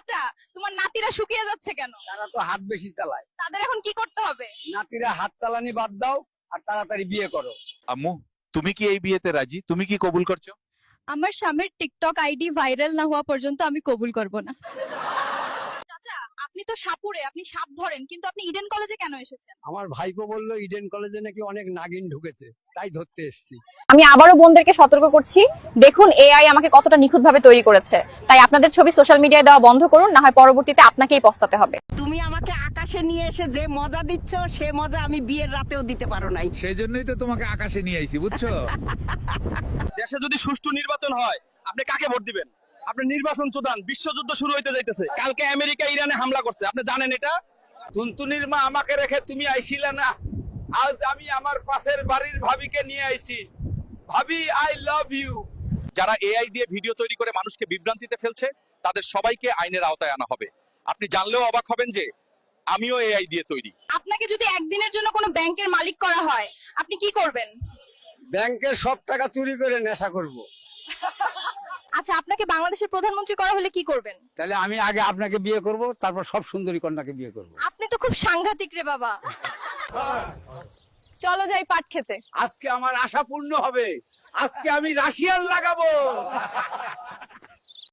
চাচা, তোমার নাতিরা শুকিয়ে যাচ্ছে কেন? তারা তো হাত বেশি চালায়। তাদের এখন কি করতে হবে? নাতিরা হাত চালানি বাদ দাও আর তাড়াতাড়ি বিয়ে করো। আম্মু, তুমি কি এই বিয়েতে রাজি? তুমি কি কবুল করছো? আমার স্বামীর টিকটক আইডি ভাইরাল না হওয়া পর্যন্ত আমি কবুল করব না। চাচা, আপনি তো সাপুরে, আপনি সাপ ধরেন, কিন্তু আপনি ইডেন কলেজে কেন এসেছেন? আমার ভাইপো বললো ইডেন কলেজে নাকি অনেক নাগিন ঢুকেছে, তাই ধরতে এসেছি। আমি আবারও বোনদেরকে সতর্ক করছি, দেখুন এআই আমাকে কতটা নিখুঁতভাবে তৈরি করেছে। তাই আপনাদের ছবি সোশ্যাল মিডিয়ায় দেওয়া বন্ধ করুন, না হয় পরবর্তীতে আপনাকেই পস্তাতে হবে। তুমি আমাকে আকাশে নিয়ে এসে যে মজা দিচ্ছ, সে মজা আমি বিয়ের রাতেও দিতে পারো নাই। সেই জন্যই তো তোমাকে আকাশে নিয়ে আইছি, বুঝছো? দেশে যদি সুষ্ঠু নির্বাচন হয়, আপনি কাকে ভোট দিবেন? আপনি নির্বাচন চোদান, বিশ্বযুদ্ধ শুরু হইতে যাইতেছে। কালকে আমেরিকা ইরানে হামলা করছে, আপনি জানেন এটা? তুনতুনির মা আমাকে রেখে তুমি আইছিলে না, আজ আমি আমার পাশের বাড়ির ভাবিকে নিয়ে আইছি। ভাবি, আই লাভ ইউ। যারা এআই দিয়ে ভিডিও তৈরি করে মানুষকে বিভ্রান্তিতে ফেলছে, তাদের সবাইকে আইনের আওতায় আনা হবে। আপনি জানলেও অবাক হবেন যে আমিও এআই দিয়ে তৈরি। আপনাকে যদি একদিনের জন্য কোনো ব্যাংকের মালিক করা হয়, আপনি কি করবেন? ব্যাংকের সব টাকা চুরি করে নেশা করব। আচ্ছা, আপনাকে বাংলাদেশের প্রধানমন্ত্রী করা হলে কি করবেন? তাহলে আমি আগে আপনাকে বিয়ে করব, তারপর সব সুন্দরী কন্যাকে বিয়ে করব। আপনি তো খুব সাংঘাতিক রে বাবা। চলো যাই পাট খেতে। আজকে আমার আশা পূর্ণ হবে, আজকে আমি রাশিয়ান লাগাবো।